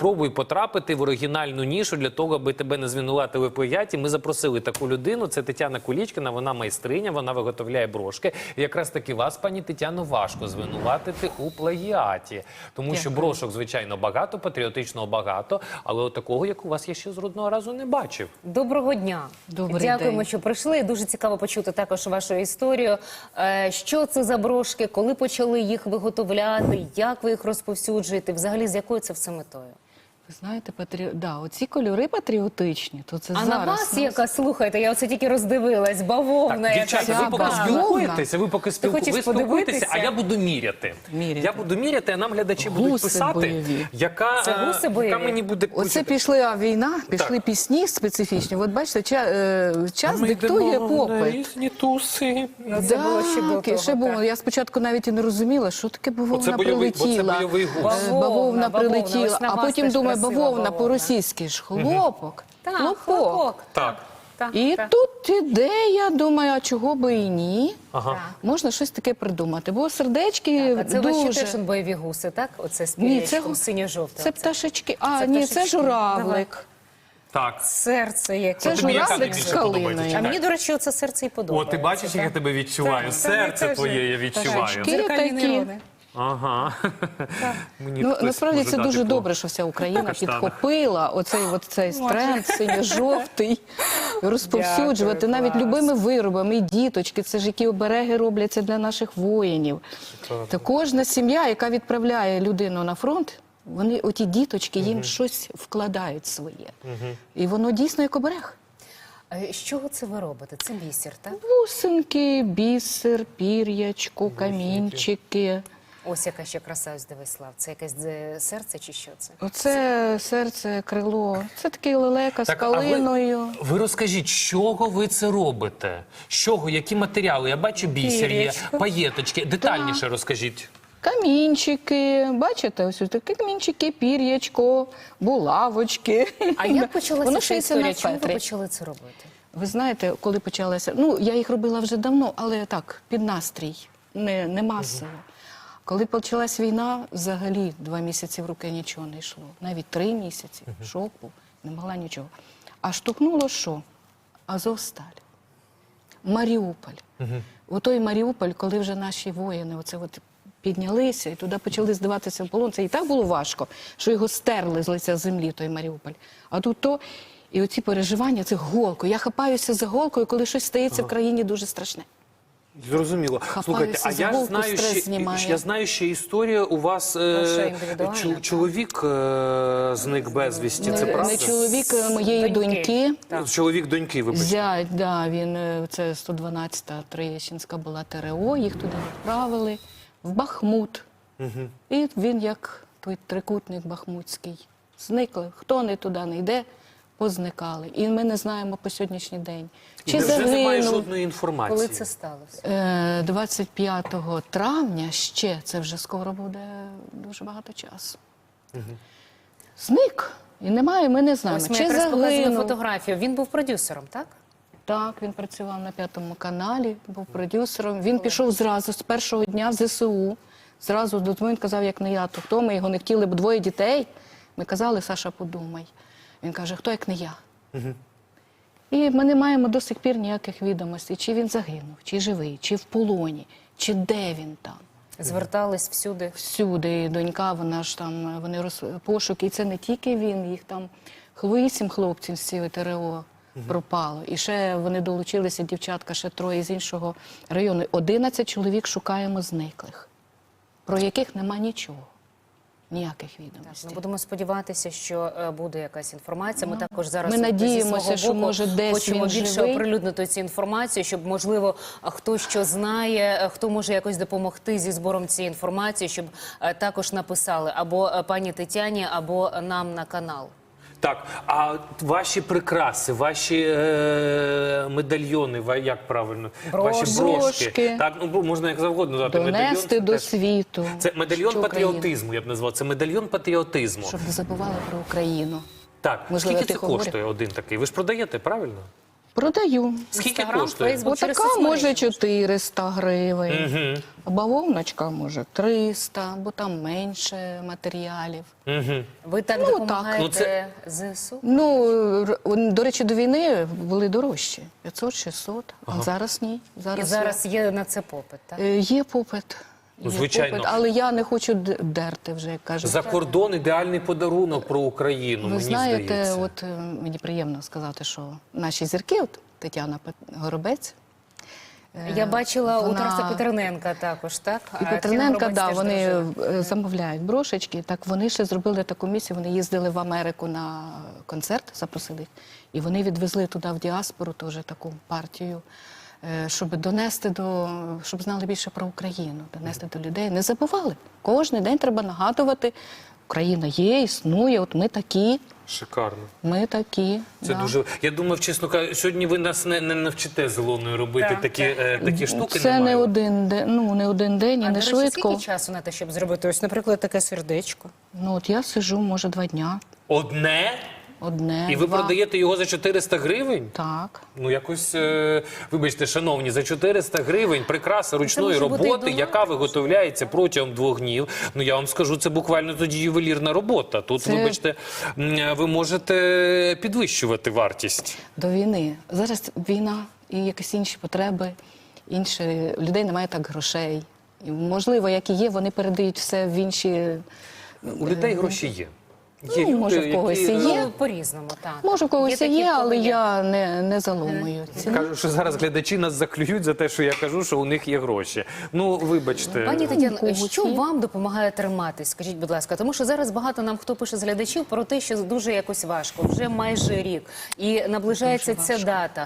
спробуй потрапити в оригінальну нішу для того, аби тебе не звинуватили в плагіаті. Ми запросили таку людину, це Тетяна Кулічкіна, вона майстриня, вона виготовляє брошки. І якраз таки вас, пані Тетяно, важко звинуватити у плагіаті. Тому що брошок, звичайно, багато, патріотичного багато, але от такого, як у вас, я ще жодного разу не бачив. Доброго дня. Дякуємо, що прийшли. Дуже цікаво почути також вашу історію. Що це за брошки, коли почали їх виготовляти, як ви їх розповсюджуєте, взагалі з якою це все метою? Ви знаєте, оці кольори патріотичні, то це А зараз... на вас яка, слухайте, я оце тільки роздивилась, бавовна. Так, дівчата, ви поки спілкуєтеся, а я буду міряти. Я буду міряти, а нам глядачі будуть писати, яка мені буде... Оце пішла війна, пішли пісні специфічні. От бачите, час диктує попит. Різні туси. Ще було. Я спочатку навіть і не розуміла, що таке бавовна прилетіла. Бавовна прилетіла, а потім думаю, бавовна по-російськи ж хлопок. Хлопок. Так. І тут ідея, думаю, а чого би і ні? Можна щось таке придумати, бо сердечки дуже... Це ваші теж бойові гуси, так? Оце з пір'ячком синьо-жовтим. Це пташечки. А, ні, це журавлик. Так. Серце яке. Це журавлик з калиною. А мені, до речі, оце серце і подобається. О, ти бачиш, як я тебе відчуваю? Серце твоє я відчуваю. Такі. Ага. Насправді це дуже добре, що вся Україна підхопила оцей тренд синьо-жовтий, розповсюджувати навіть любими виробами, і діточки, це ж які обереги робляться для наших воїнів. Та кожна сім'я, яка відправляє людину на фронт, вони, оті діточки, їм щось вкладають своє. І воно дійсно як оберег. З чого це ви робите? Це бісер, так? Бусинки, бісер, пір'ячко, камінчики. Ось яка ще краса, ось дивись, Слав. Це якесь серце чи що це? Оце серце, крило. Це такий лелека з калиною. Ви розкажіть, з чого ви це робите? З чого, які матеріали? Я бачу бісер є, паєточки. Детальніше розкажіть. Камінчики, бачите, ось такі камінчики, пір'ячко, булавочки. А як почалася ця історія? Чому ви почали це робити? Ви знаєте, коли почалася, я їх робила вже давно, але так, під настрій, не масово. Коли почалась війна, взагалі 2 місяці в руки нічого не йшло. Навіть 3 місяці, шок був, не могла нічого. А штовхнуло що? Азовсталь, Маріуполь. Отой Маріуполь, коли вже наші воїни піднялися і туди почали здаватися в полон. Це і так було важко, що його стерли з лиця землі, той Маріуполь. А тут і оці переживання, це голкою. Я хапаюся за голкою, коли щось стається в країні дуже страшне. Зрозуміло. Слухайте, а я знаю, що історія у вас, чоловік зник безвісті, це правда? Не чоловік моєї доньки. Чоловік доньки, вибачте. Зять, він, це 112-та Троєщинська була ТРО, їх туди відправили, в Бахмут. І він, як той трикутник бахмутський, зникли. Хто не туди не йде, позникали. І ми не знаємо по сьогоднішній день. Чи загинув? Немає жодної інформації. Коли це сталося? 25 травня ще, це вже скоро буде дуже багато часу. Зник. І немає, ми не знаємо. Ось ми якраз показали фотографію. Він був продюсером, так? Так, він працював на 5-му каналі, був продюсером. Він пішов зразу, з першого дня в ЗСУ. Зразу до того він казав, як не я, то хто? Ми його не хотіли, бо 2 дітей. Ми казали, Саша, подумай. Він каже, хто як не я? І ми не маємо до сих пір ніяких відомостей, чи він загинув, чи живий, чи в полоні, чи де він там. Звертались всюди? Всюди. Донька, вона ж там, вони пошуки. І це не тільки він, їх там 8 хлопців з цієї ТРО пропало. І ще вони долучилися, дівчатка, ще 3 з іншого району. 11 чоловік шукаємо зниклих, про яких нема нічого. Ніяких відомостей. Ми будемо сподіватися, що буде якась інформація. Ми також зараз ми надіємося, що може десь хочемо він більше живий. оприлюднити цю інформацію, щоб, можливо, хто що знає, хто може якось допомогти зі збором цієї інформації, щоб також написали або пані Тетяні, або нам на канал. Так, а ваші прикраси, ваші медальйони, як правильно? Ваші брошки. Так, можна як завгодно назвати. Донести до світу. Це медальйон патріотизму, я б назвав. Це медальйон патріотизму. Щоб не забували про Україну. Так, скільки це коштує один такий? Ви ж продаєте, правильно? Продаю. Скільки Інстаграм, коштує? Фейсбук. через Отака соцмережі може можна. 400 гривень, Мгм. а бавовночка може 300, бо там менше матеріалів. Мгм. Ви так Ну, так. допомагаєте Ну, це- ЗСУ? Ну, до речі, до війни були дорожчі. 500-600, а зараз ні. І зараз є на це попит, так? Є попит. Ну, Є звичайно. попит, але я не хочу дерти вже, як кажуть. За кордон ідеальний подарунок про Україну, Ви мені знаєте, здається. от мені приємно сказати, що наші зірки, от Тетяна Горобець, Я бачила у вона- Тараса Петерненка також, так? і Тетяна Петрененка, Горобець да, теж вони дружина. замовляють брошечки. Так вони ще зробили таку місію. Вони їздили в Америку на концерт, запросили їх, і вони відвезли туди в діаспору теж таку партію, щоб донести щоб знали більше про Україну, донести до людей. Не забували. Кожен день треба нагадувати. Україна є, існує. От ми такі. Шикарно. Ми такі. Це да. дуже. Я думав, чесно кажучи, сьогодні ви нас не навчите з Ілоною робити Так, такі штуки. Це не немає. один день, не один день і А, не до речі, швидко. скільки часу на те, щоб зробити ось, наприклад, таке сердечко? Ну от я сижу, може, 2 дня. Одне? Одне, І ви 2. продаєте його за 400 гривень? Так. Ну, якось, вибачте, шановні, за 400 гривень прикраса ручної може бути і роботи, дома, яка виготовляється протягом 2 днів. Ну, я вам скажу, це буквально тоді ювелірна робота. Тут, Це- вибачте, ви можете підвищувати вартість. До війни. Зараз війна і якісь інші потреби, інші людей немає так грошей. І, можливо, як і є, вони передають все в інші. У людей гроші є. Ну, може, в когось і є. Ну, по-різному, так. Може, в когось і такі, є, в кого але є. я не заломую. ціну. Кажу, що зараз глядачі нас заклюють за те, що я кажу, що у них є гроші. Ну, вибачте. Пані Тетяно, когось що є. вам допомагає триматись? Скажіть, будь ласка, тому що зараз багато нам хто пише з глядачів про те, що дуже якось важко, вже майже рік, і наближається ця дата.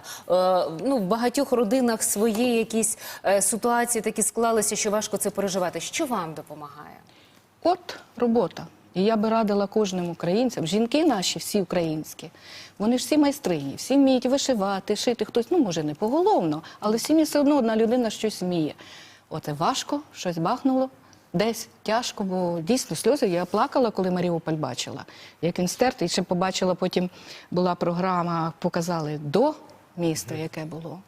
В багатьох родинах свої якісь ситуації такі склалися, що важко це переживати. Що вам допомагає? От робота. І я би радила кожним українцям, жінки наші, всі українські, вони ж всі майстрині, всі вміють вишивати, шити, хтось, може не поголовно, але в сім'ї все одно одна людина щось вміє. Оце важко, щось бахнуло, десь тяжко, бо дійсно сльози. Я плакала, коли Маріуполь бачила, як він стерт, і ще побачила, потім була програма, показали до міста, яке було.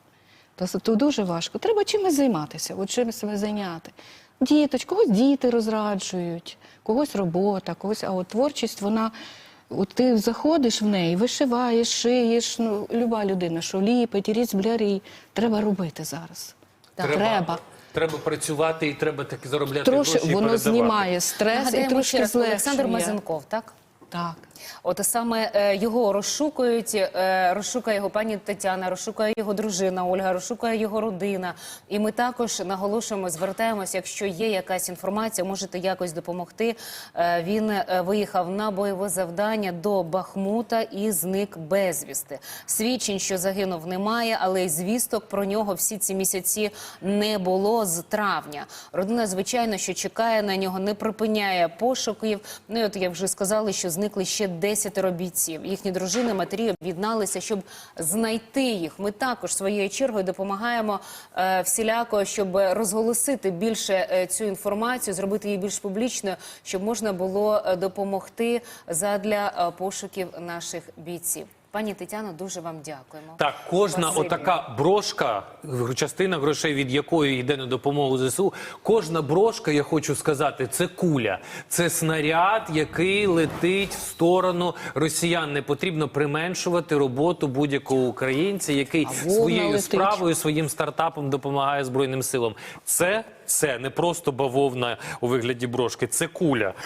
То дуже важко. Треба чимось займатися, от чимось себе зайняти. Когось діти розраджують, когось робота, когось, а от творчість, вона, от ти заходиш в неї, вишиваєш, шиєш, люба людина, що ліпить, різблярі, треба робити зараз. Треба. Треба працювати і треба таки заробляти Трошки гроші і воно передавати. знімає стрес і Нагадаємо ще трошки раз, Олександр злегшує. Мазенков, так? Так. От саме його розшукують, розшукає його пані Тетяна, розшукає його дружина Ольга, розшукає його родина. І ми також наголошуємо, звертаємося, якщо є якась інформація, можете якось допомогти. Він виїхав на бойове завдання до Бахмута і зник безвісти. Свідчень, що загинув, немає, але й звісток про нього всі ці місяці не було з травня. Родина, звичайно, що чекає на нього, не припиняє пошуків. Ну і от, як вже сказали, що зникли ще 10 бійців. Їхні дружини, матері об'єдналися, щоб знайти їх. Ми також своєю чергою допомагаємо всіляко, щоб розголосити більше цю інформацію, зробити її більш публічною, щоб можна було допомогти задля пошуків наших бійців. Пані Тетяно, дуже вам дякуємо. Так, кожна Спасибі. отака брошка, частина грошей від якої йде на допомогу ЗСУ, кожна брошка, я хочу сказати, це куля. Це снаряд, який летить в сторону росіян. Не потрібно применшувати роботу будь-якого українця, який вовна своєю летить. справою, своїм стартапом допомагає Збройним силам. Це не просто бавовна у вигляді брошки, це куля.